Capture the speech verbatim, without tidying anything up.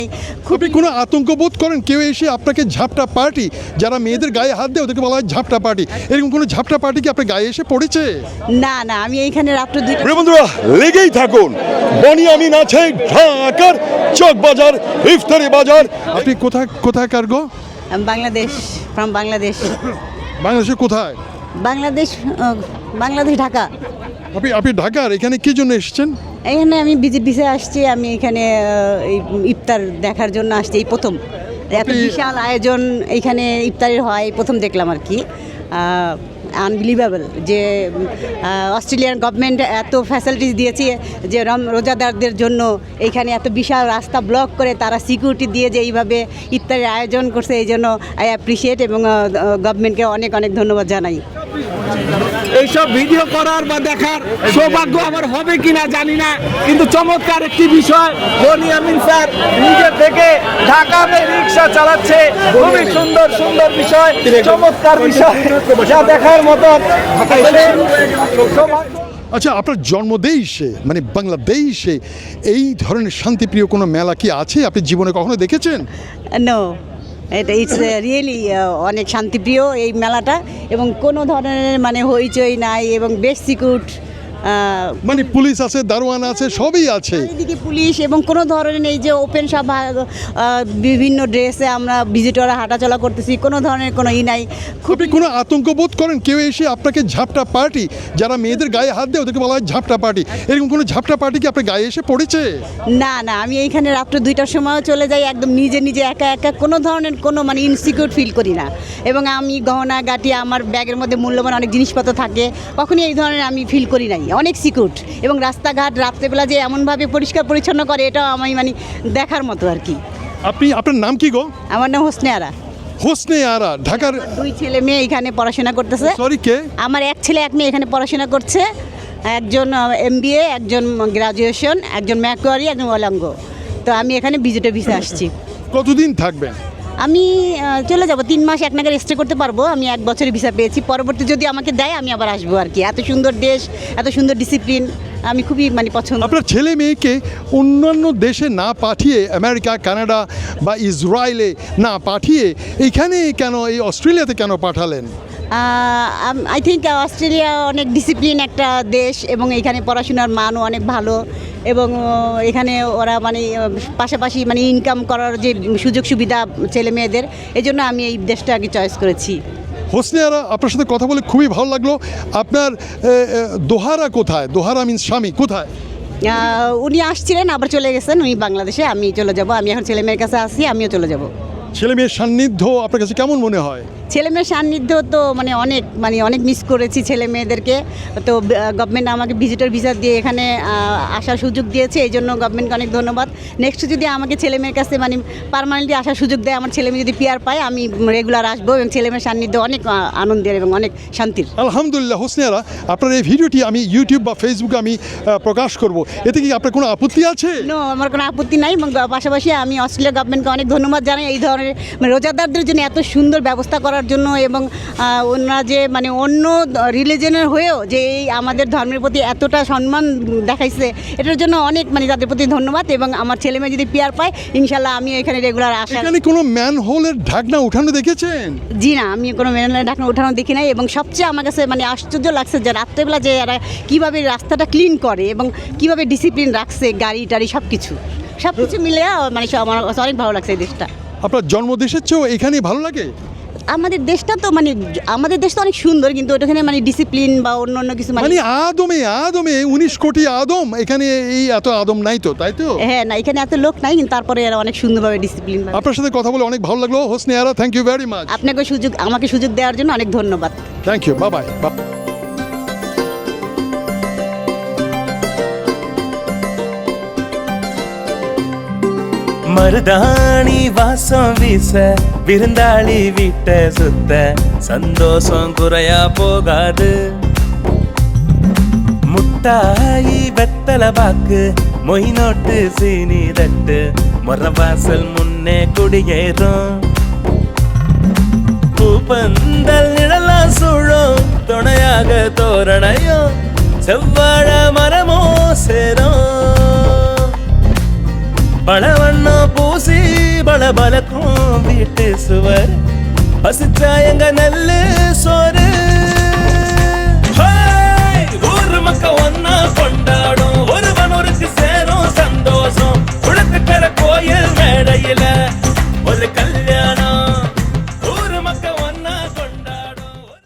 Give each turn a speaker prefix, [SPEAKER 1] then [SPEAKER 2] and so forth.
[SPEAKER 1] আপনি কোনো আতঙ্ক বোধ করেন কেউ এসে আপনাকে ঝাপটা পার্টি, যারা মেয়েদের গায়ে হাত দেয় ওদেরকে বলা হয় ঝাপটা পার্টি, এরকম কোনো ঝাপটা পার্টি কি আপনার গায়ে এসে পড়েছে?
[SPEAKER 2] না না, আমি এইখানে রাত্র দুইটা।
[SPEAKER 3] প্রিয় বন্ধুরা, লেগেই থাকুন, বনিয়ামিন আছে ঢাকার চক বাজার, ইফতারি বাজার।
[SPEAKER 1] আপনি কোথায় কোথায় কার্গো?
[SPEAKER 2] আমি বাংলাদেশ, ফ্রম বাংলাদেশ।
[SPEAKER 1] বাংলাদেশে কোথায়?
[SPEAKER 2] বাংলাদেশ, আহ, বাংলাদেশ ঢাকা।
[SPEAKER 1] আপনি আপনি ঢাকার, এখানে কি জন্য এসেছেন?
[SPEAKER 2] এখানে আমি ভিজিট ভিসে আসছি, আমি এখানে আহ, এই ইফতার দেখার জন্য আসছি, এই প্রথম এত
[SPEAKER 1] আপনি-
[SPEAKER 2] বিশাল আয়োজন এইখানে ইফতারের হয়, এই প্রথম দেখলাম আর কি। আনবিলিভেবল যে আহ, অস্ট্রেলিয়ান গভর্নমেন্ট এত ফ্যাসিলিটিস দিয়েছে যে রম রোজাদারদের জন্য এইখানে এত বিশাল রাস্তা ব্লক করে তারা সিকিউরিটি দিয়ে যে এইভাবে ইফতারের আয়োজন করছে, এই জন্য আই অ্যাপ্রিসিয়েট এবং গভর্নমেন্টকে অনেক অনেক ধন্যবাদ জানাই।
[SPEAKER 4] এইসব ভিডিও করার বা দেখার সৌভাগ্য আমার হবে কিনা জানি না, কিন্তু চমৎকার একটি বিষয়। বনিয়ামিন স্যার নিজে থেকে ঢাকাতে রিক্সা চালাচ্ছে, খুবই সুন্দর সুন্দর বিষয়, চমৎকার বিষয়, যা দেখার মতো।
[SPEAKER 1] আচ্ছা, আপনার জন্মদেশে মানে বাংলাদেশে এই ধরনের শান্তিপ্রিয় কোনো মেলা কি আছে আপনি জীবনে কখনো দেখেছেন?
[SPEAKER 2] নো, এটা ইটস রিয়েলি অনেক শান্তিপ্রিয় এই মেলাটা, এবং কোনো ধরনের মানে হইচই নাই এবং বেশ সিকিউর।
[SPEAKER 1] মানে পুলিশ আছে, দারোয়ান আছে, সবই আছে।
[SPEAKER 2] চারিদিকে পুলিশ এবং কোনো ধরনের এই যে ওপেন সব আহ, বিভিন্ন ড্রেসে আমরা ভিজিটররা হাঁটাচলা করতেছি, কোনো ধরনের কোনো ই নাই।
[SPEAKER 1] আপনি কোনো আতঙ্ক বোধ করেন কেউ এসে আপনাকে ঝাপটা পার্টি, যারা মেয়েদের গায়ে হাত দেয় ওদেরকে বলা হয় ঝাপটা পার্টি, এরকম কোনো ঝাপটা পার্টি কি আপনার গায়ে এসে পড়েছে?
[SPEAKER 2] না না, আমি এইখানে রাত্র দুইটার সময়ও চলে যাই, একদম নিজে নিজে একা একা, কোনো ধরনের কোনো মানে ইনসিকিউর ফিল করি না। এবং আমি গহনা গাটি, আমার ব্যাগের মধ্যে মূল্যবান অনেক জিনিসপত্র থাকে, কখনই এই ধরনের আমি ফিল করি নাই, অনেক সিকিউর। এবং রাস্তাঘাট রাত্রেবেলা যে এমনভাবে পরিষ্কার পরিচ্ছন্ন করে, এটাও আমি মানে দেখার মতো আর কি।
[SPEAKER 1] আপনি, আপনার নাম কি গো?
[SPEAKER 2] আমার নাম হোসনে আরা।
[SPEAKER 1] হোসনে আরা, ঢাকার।
[SPEAKER 2] দুই ছেলে মেয়ে এখানে পড়াশোনা করতেছে।
[SPEAKER 1] সরি, কে?
[SPEAKER 2] আমার এক ছেলে এক মেয়ে এখানে পড়াশোনা করছে, একজন এমবিএ, একজন গ্রাজুয়েশন, একজন ম্যাকোয়ারি, একজন ওলাঙ্গ। তো আমি এখানে ভিজিটে ভিসা আসছি।
[SPEAKER 1] কতদিন থাকবেন?
[SPEAKER 2] আমি আহ, চলে যাব, তিন মাস এক নাগাদ স্টে করতে পারবো। আমি এক বছরের ভিসা পেয়েছি, পরবর্তী যদি আমাকে দেয় আমি আবার আসবো আর কি। এত সুন্দর দেশ, এত সুন্দর ডিসিপ্লিন, আমি খুবই মানে পছন্দ।
[SPEAKER 1] আপনার ছেলে মেয়েকে অন্যান্য দেশে না পাঠিয়ে, আমেরিকা, কানাডা বা ইসরায়েলে না পাঠিয়ে এইখানে কেন, এই অস্ট্রেলিয়াতে কেন পাঠালেন?
[SPEAKER 2] আই থিঙ্ক অস্ট্রেলিয়া অনেক ডিসিপ্লিন একটা দেশ, এবং এখানে পড়াশোনার মানও অনেক ভালো, এবং আহ, এখানে ওরা মানে আহ, পাশাপাশি মানে ইনকাম করার যে সুযোগ সুবিধা ছেলে মেয়েদের, এই জন্য আমি এই দেশটা আগে চয়েস করেছি।
[SPEAKER 1] হোসনে আরা, আপনার সাথে কথা বলে খুবই ভালো লাগলো। আপনার এ, এ, দোহারা কোথায়? দোহারা মিন্স স্বামী কোথায়?
[SPEAKER 2] আহ, উনি আসছিলেন, আবার চলে গেছেন উনি বাংলাদেশে। আমি চলে যাব, আমি এখন ছেলে মেয়ের কাছে আসি, আমিও চলে যাব।
[SPEAKER 1] ছেলে মেয়ের সান্নিধ্য আপনার কাছে কেমন মনে হয়?
[SPEAKER 2] ছেলে মেয়ের সান্নিধ্য তো মানে অনেক মানে অনেক মিস করেছি ছেলে মেয়েদেরকে। তো গভর্নমেন্ট আমাকে ভিজিটর ভিসা দিয়ে এখানে আহ, আসার সুযোগ দিয়েছে, এই জন্য গভর্নমেন্টকে অনেক ধন্যবাদ। নেক্সট যদি আমাকে ছেলে মেয়ের কাছে মানে পার্মানেন্টলি আসার সুযোগ দেয়, আমার ছেলে মেয়ে যদি পিআর পায়, আমি রেগুলার আসবো, এবং ছেলে মেয়ের সান্নিধ্য অনেক আহ, আনন্দের এবং অনেক শান্তির।
[SPEAKER 1] আলহামদুলিল্লাহ। হোসনে আরা, আপনার এই ভিডিওটি আমি ইউটিউব বা ফেসবুকে আমি আহ, প্রকাশ করব, এতে কি আপনার কোনো আপত্তি আছে?
[SPEAKER 2] নো, আমার কোনো আপত্তি নাই। এবং পাশাপাশি আমি অস্ট্রেলিয়া গভর্নমেন্টকে অনেক ধন্যবাদ জানাই এই ধরনের মানে রোজাদারদের জন্য এত সুন্দর ব্যবস্থা করার জন্য, এবং আহ, ওনারা যে মানে অন্য রিলিজনের হয়েও যে এই আমাদের ধর্মের প্রতি এতটা সম্মান দেখাইছে, এটার জন্য অনেক মানে তাদের প্রতি ধন্যবাদ। এবং আমার ছেলে মেয়ে যদি পিআর পায়, ইনশাল্লাহ আমি এখানে রেগুলার আসা।
[SPEAKER 1] এখানে কোনো ম্যান হোলের ঢাকনা উঠানো দেখেছেন?
[SPEAKER 2] জি না, আমি কোনো মেনের ঢাকনা উঠানো দেখি নাই। এবং সবচেয়ে আমার কাছে মানে আশ্চর্য লাগছে যে রাত্রেবেলা যে এরা কীভাবে রাস্তাটা ক্লিন করে এবং কীভাবে ডিসিপ্লিন রাখছে, গাড়ি টাড়ি সব কিছু সব কিছু মিলে মানে সব আমার কাছে অনেক ভালো লাগছে এই দেশটা।
[SPEAKER 1] আপনার জন্মদেশের চেয়েও এখানেই ভালো লাগে?
[SPEAKER 2] আমাদের দেশটা তো মানে আমাদের দেশটা অনেক সুন্দর, কিন্তু ওটাখানে মানে ডিসিপ্লিন বা অন্য অন্য কিছু মানে
[SPEAKER 1] মানে আদমে আদমে উনিশ কোটি আদম, এখানে এই এত আদম নাই তো, তাই তো?
[SPEAKER 2] হ্যাঁ না, এখানে এত লোক নাই, কিন্তু তারপরে এরা অনেক সুন্দরভাবে ডিসিপ্লিন।
[SPEAKER 1] আপনার সাথে কথা বলে অনেক ভালো লাগলো Hosne Ara, thank you very much.
[SPEAKER 2] আপনাকে সুযোগ আমাকে সুযোগ দেওয়ার জন্য অনেক ধন্যবাদ।
[SPEAKER 1] Thank you, bye bye.
[SPEAKER 5] மருதாணி வாசம் வீச விருந்தாளி வீட்ட சுத்த சந்தோஷம் குறையா போகாது. முட்டாயி வெத்தல பாக்கு மொய் நோட்டு சீனி தட்டு மொர வாசல் முன்னே குடியேறும். பூப்பந்தல் நிழலா சூழும் துணையாக தோரணையும் செவ்வாழ மரமோ சேரும். பழவண்ணம் பூசி பலக்கும் வீட்டு சுவர் பசிச்சா எங்க நெல்லு